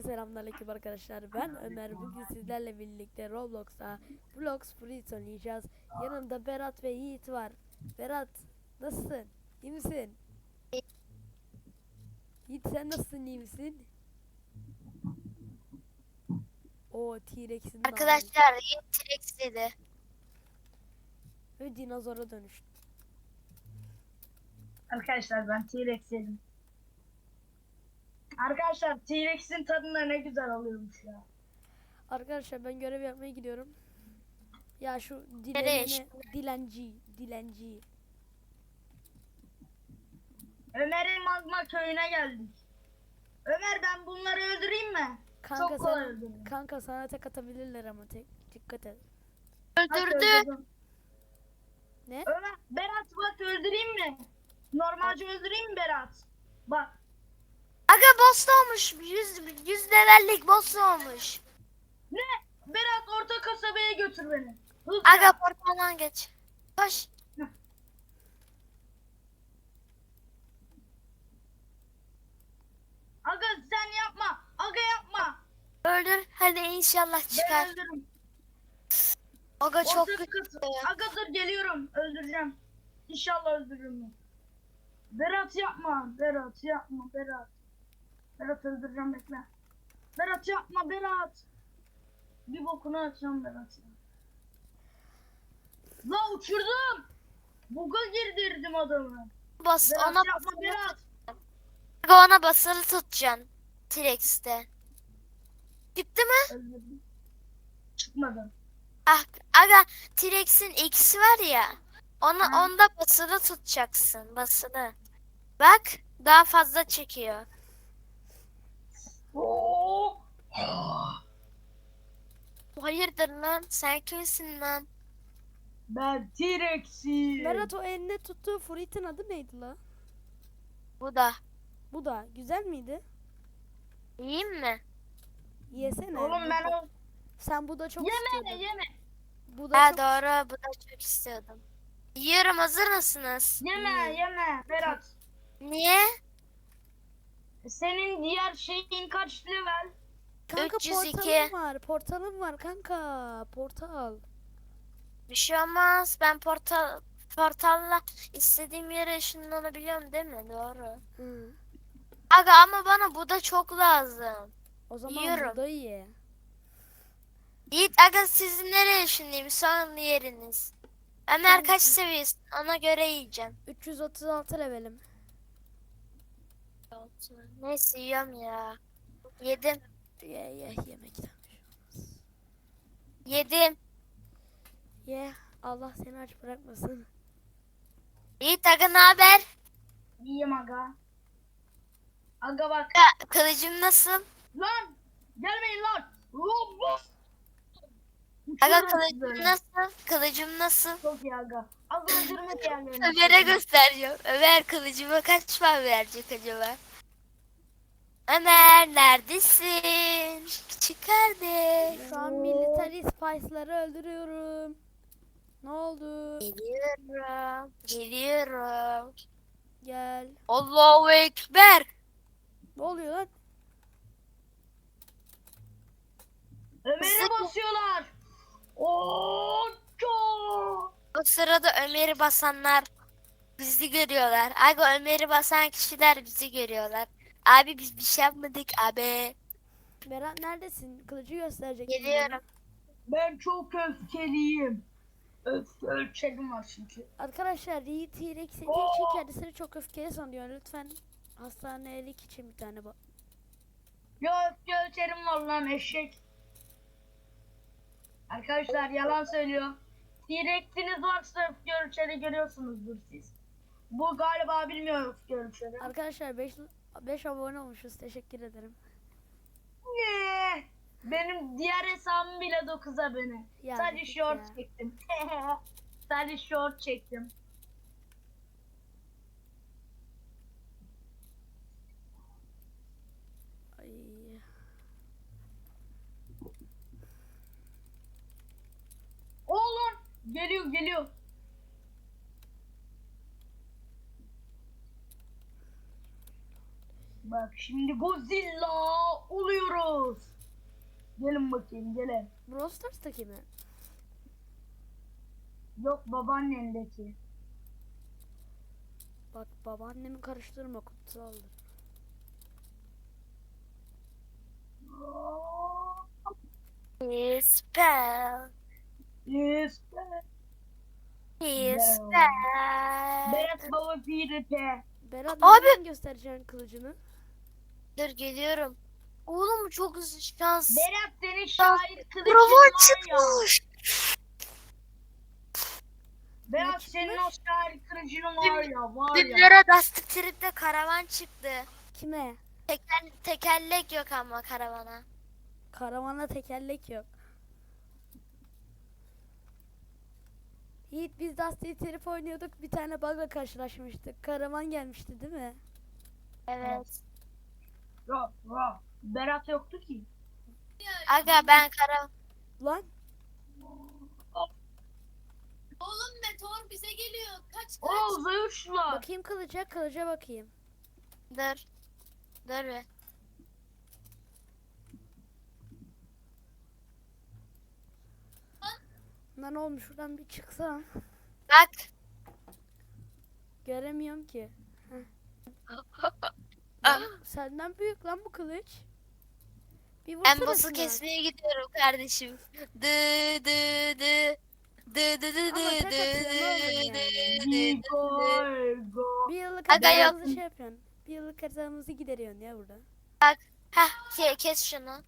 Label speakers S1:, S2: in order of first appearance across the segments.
S1: Selamünaleyküm arkadaşlar. Ben Ömer. Bugün sizlerle birlikte Roblox'ta Blox Fruits oynayacağız. Yanımda Berat ve Yiğit var. Berat, nasılsın? İyi misin? Yiğit, sen nasılsın? İyi misin? O T-Rex'in de ağzı
S2: Arkadaşlar yeni T-Rex dedi.
S1: ve dinozora dönüştü.
S3: Arkadaşlar ben T-Rex yedim. Arkadaşlar T-Rex'in tadına ne güzel oluyormuş ya.
S1: Arkadaşlar ben görev yapmaya gidiyorum. Ya şu
S2: Nereye
S1: dilenci.
S3: Ömer'in magma köyüne geldik. Ömer, ben bunları öldüreyim mi?
S1: Kanka
S3: Çok kolay
S1: sana,
S3: öldürürüm.
S1: kanka sana tek atabilirler ama dikkat et.
S3: Bak,
S2: Öldürdü.
S3: öldürdüm.
S1: Ne?
S3: Ömer, Berat bak öldüreyim mi? Normalce öldüreyim mi Berat? Bak.
S2: Aga boss olmuş. 100 levellik boss olmuş.
S3: Ne? Berat, orta kasabaya götür beni. Hızlı.
S2: Aga portaldan geç. Koş.
S3: Aga sen yapma. Aga yapma.
S2: Öldür. Hadi inşallah
S3: Ben
S2: çıkar.
S3: öldürürüm.
S2: Aga çok
S3: Orta
S2: kötü.
S3: kasa. Aga dur, geliyorum. Öldüreceğim. İnşallah öldürürüm. Berat yapma. Berat yapma. Berat. Berat öldüreceğim, bekle. Berat yapma Berat. Bir bokunu açacağım Berat. La uçurdum. Buga girdirdim adamı.
S2: Bas
S3: Berat
S2: ona
S3: yapma
S2: basılı
S3: Berat.
S2: Aga ona basılı tutacaksın. T-Rex'te. Çıktı mı?
S3: Öldürdüm. Çıkmadı.
S2: Ah, aga T-Rex'in X'i var ya.
S3: Ha.
S2: Onda basılı tutacaksın. Basılı. Bak daha fazla çekiyor.
S3: Oo.
S2: Hayırdır lan? Sen kimsin lan?
S3: Ben T-Rex'im.
S1: Berat, o elinde tuttuğu fruit'in adı neydi la?
S2: Bu da.
S1: Bu da güzel miydi?
S2: Yiyeyim mi?
S1: Yesene.
S3: Oğlum ben o...
S1: Sen bu da çok
S3: Yeme
S1: istiyordun.
S3: yeme.
S1: Bu da
S2: Ha
S1: çok
S2: doğru. Bu da çok istiyordum. Yiyorum. Hazır mısınız?
S3: Yeme yeme Berat.
S2: Niye?
S3: Senin diğer şeyin kaç level?
S1: Kanka
S2: 302.
S1: portalım var. Portalım var kanka. Portal.
S2: Bir şey olmaz. Ben portalla istediğim yere ışınlanabiliyorum değil mi? Doğru.
S1: Hı.
S2: Aga ama bana bu da çok lazım.
S1: O zaman
S2: Yiyorum.
S1: bu da iyi.
S2: Yiğit aga sizin nereye ışınlayayım? Son yeriniz. Ömer kaç seviyesin? Ona göre yiyeceğim.
S1: 336 levelim.
S2: Neyse yiyorum ya. Yedim.
S1: Ye yemekten.
S2: Yedim.
S1: Ye. Allah seni aç bırakmasın.
S2: Yiğit aga ne haber?
S3: İyiyim aga. Aga bak.
S2: Ya, kılıcım nasıl?
S3: Lan! Gelmeyin lan! Lan bu!
S2: Aga
S3: Uçuyorum
S2: kılıcım
S3: sizi.
S2: nasıl? Kılıcım nasıl?
S3: Çok iyi aga. Aga öldürme diğerlerini.
S2: Ömer'e göstereceğim. Ömer kılıcıma kaç puan verecek acaba? Ömer neredesin? Küçük kardeş.
S1: Şu an military spice'ları öldürüyorum. Ne oldu?
S2: Geliyorum. Geliyorum.
S1: Gel.
S2: Allahu Ekber.
S1: Ne oluyor lan?
S3: Ömer'e basıyorlar. Oo, çok.
S2: O sırada Ömer'i basanlar bizi görüyorlar. Aga Ömer'i basan kişiler bizi görüyorlar. Abi biz bir şey yapmadık abi.
S1: Berat neredesin? Kılıcı gösterecek.
S2: Geliyorum.
S3: Ben çok öfkeliyim. Ölçelim var çünkü.
S1: Arkadaşlar Yiğit T-Rex yediği için kendisini çok öfkeli sanıyor. Lütfen hastanelik için bir tane bak.
S3: Ya öfke ölçerim var lan eşek. Arkadaşlar yalan söylüyor. T-Rex'iniz varsa öfke ölçeri görüyorsunuzdur siz. Bu galiba bilmiyor öfke ölçeri.
S1: Arkadaşlar 5 abone olmuşuz. Teşekkür ederim.
S3: Ne? Benim diğer hesabım bile 9 abone.
S1: Ya,
S3: Sadece
S1: git
S3: short
S1: ya.
S3: çektim. Sadece short çektim.
S1: Ay.
S3: Oğlum geliyor geliyor. Bak şimdi Godzilla oluyorum. Gelin bakayım gelin.
S1: Brawl Stars'taki mi?
S3: Yok babaannendeki.
S1: Bak babaannemi karıştırma, kutsaldır.
S2: Spell.
S3: Yes.
S2: Spell.
S3: Berat baba PvP.
S1: Berat
S2: Abi!
S1: neden göstereceksin kılıcını?
S2: Dur geliyorum. Oğlum çok şans.
S3: Berat senin şahit kılıcın
S2: Bravo
S3: var ya.
S2: çıkmış.
S3: Berat
S1: Ne
S3: senin o
S1: çıkmış?
S3: şahit kılıcın var ya var ya.
S2: Dünlere Dusty Trip'te karavan çıktı.
S1: Kime?
S2: Tekerlek yok ama karavana.
S1: Karavana tekerlek yok. Yiğit biz Dusty Trip oynuyorduk, bir tane bug'la karşılaşmıştık. Karavan gelmişti değil mi?
S2: Evet.
S3: Yok yok. Berat yoktu ki.
S2: Aga ben karavan.
S1: Lan
S4: Oğlum meteor bize geliyor. Kaç kaç.
S3: Oo zayıflar.
S1: bakayım kılıca bakayım.
S2: Dur. Dur bir.
S1: Lan olmuş, şuradan bir çıksam.
S2: Bak.
S1: Göremiyorum ki.
S2: Ah.
S1: Lan, senden büyük lan bu kılıç. Bir
S2: Ben
S1: vursana
S2: boss'u
S1: şuna.
S2: kesmeye gidiyorum kardeşim. Dı dı dı. Dı dı dı
S1: Ama
S2: dı
S1: tek atıyor, ne olur yani.
S3: Go.
S1: Bir yıllık
S2: Aga yok.
S1: haritamızı şey yapıyorsun. Bir yıllık haritamızı gideriyorsun ya burada.
S2: Bak. Heh kes şunu.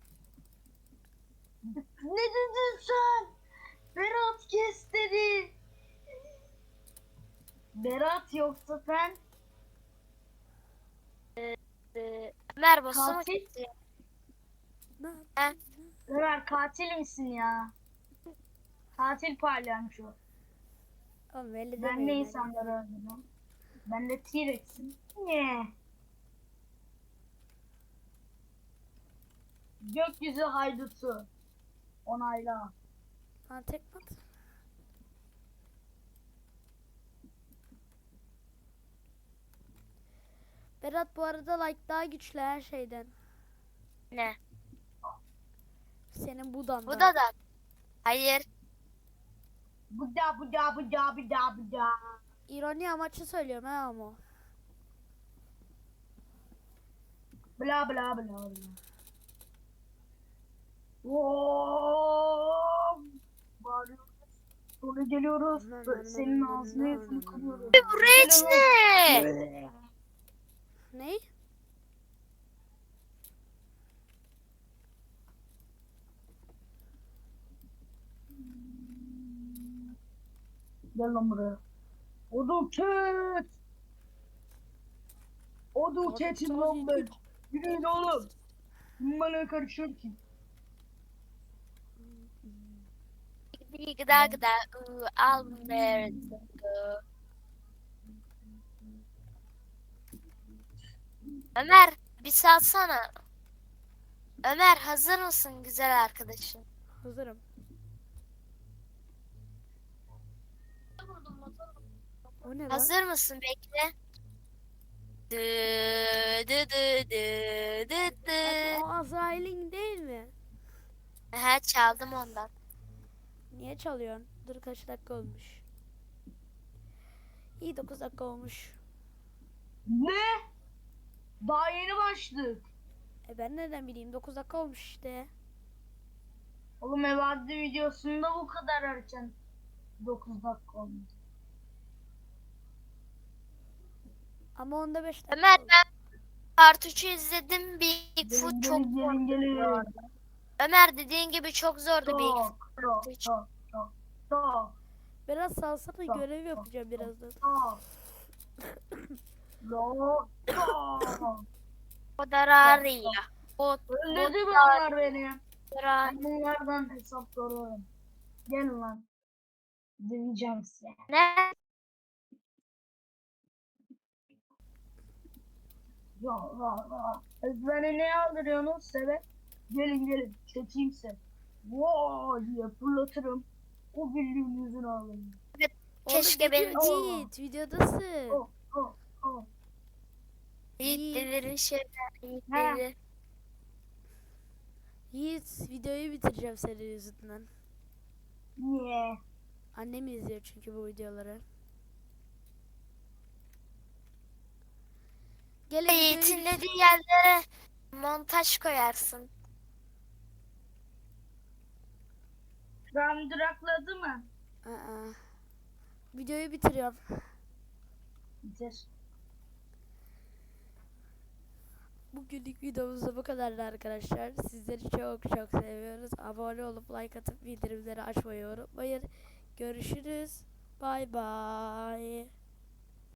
S3: Ne dedin sen? Berat kes dedi. Berat yoksa sen
S2: Ömer boss'u mu
S3: Katil?
S2: kesiyor?
S1: Ne?
S2: Heh.
S3: Ömer katil misin ya? Katil parlamış o.
S1: Oğlum öyle
S3: Ben
S1: demeyin
S3: ne
S1: yani.
S3: insanları öldürdüm? Ben de T-Rex'im. Ne? Gökyüzü haydutu. Onayla.
S1: Ha, tekme at. Berat bu arada like daha güçlü her şeyden.
S2: Ne?
S1: Senin budan
S2: Bu da. Hayır.
S3: Buda buda buda buda buda.
S1: İroni amaçlı söylüyorum ha ama.
S3: Bla bla bla bla. Oo! Bağırıyoruz. Sonra geliyoruz. Senin ağzını yüzünü kırıyoruz.
S2: Bu rage ne?
S1: Ne?
S3: Gel lan buraya. Odun ket. Odun ketim lan ben. Yürüyün oğlum. Bana karışıyor ki.
S2: Gıda gıda. Al bunları. Ömer bir salsana. Ömer hazır mısın güzel arkadaşım?
S1: Hazırım. O ne lan?
S2: Hazır mısın bekle. Dı dı dı dı dı dı.
S1: O Azrail'in değil mi?
S2: He çaldım ondan.
S1: Niye çalıyorsun? Dur kaç dakika olmuş. İyi 9 dakika olmuş.
S3: Ne? Daha yeni başladık.
S1: Ben nereden bileyim, 9 dakika olmuş işte.
S3: Oğlum evadde videosunda bu kadar erken 9 dakika olmuş.
S1: Ama onda 5 dakika
S2: Ömer
S1: oldu.
S2: ben Part 3'ü izledim. Bigfoot
S3: Gelin
S2: çok
S3: gelin gelin gelin.
S2: Ömer dediğin gibi çok zordu Bigfoot.
S3: Çok çok çok çok çok
S1: Biraz salsana,
S3: Tamam,
S1: görev yapacağım birazdan.
S3: çok. Çok çok.
S2: O da Raria. O
S3: Öldürdü bunlar beni.
S2: da
S3: Ben bunlardan hesap soruyorum. Gel lan. Döveceğim size.
S2: ne?
S3: Ya ya. Ezbere ne aldırıyorsunuz sebep? Gelin gelin çekeyim size. Voo diye fırlatırım. O birliğin yüzünü alırım.
S2: Keşke
S1: Oğlum,
S2: benim
S1: video Yiğit, videodasın.
S3: Oh oh oh.
S2: Yiğit delirin şeyler. Yiğit
S3: He.
S2: deli.
S1: Yiğit videoyu bitireceğim senin yüzünden.
S3: Niye?
S1: Annem izliyor çünkü bu videoları. Gelin
S2: Yiğit'in
S1: videoyu
S2: dediği yerlere montaj koyarsın.
S3: Ram durakladı mı?
S1: Aa, videoyu bitiriyorum.
S3: Bitir.
S1: Bugünlük videomuz da bu kadardı arkadaşlar. Sizleri çok çok seviyoruz. Abone olup like atıp bildirimleri açmayı unutmayın. Görüşürüz. Bay bay.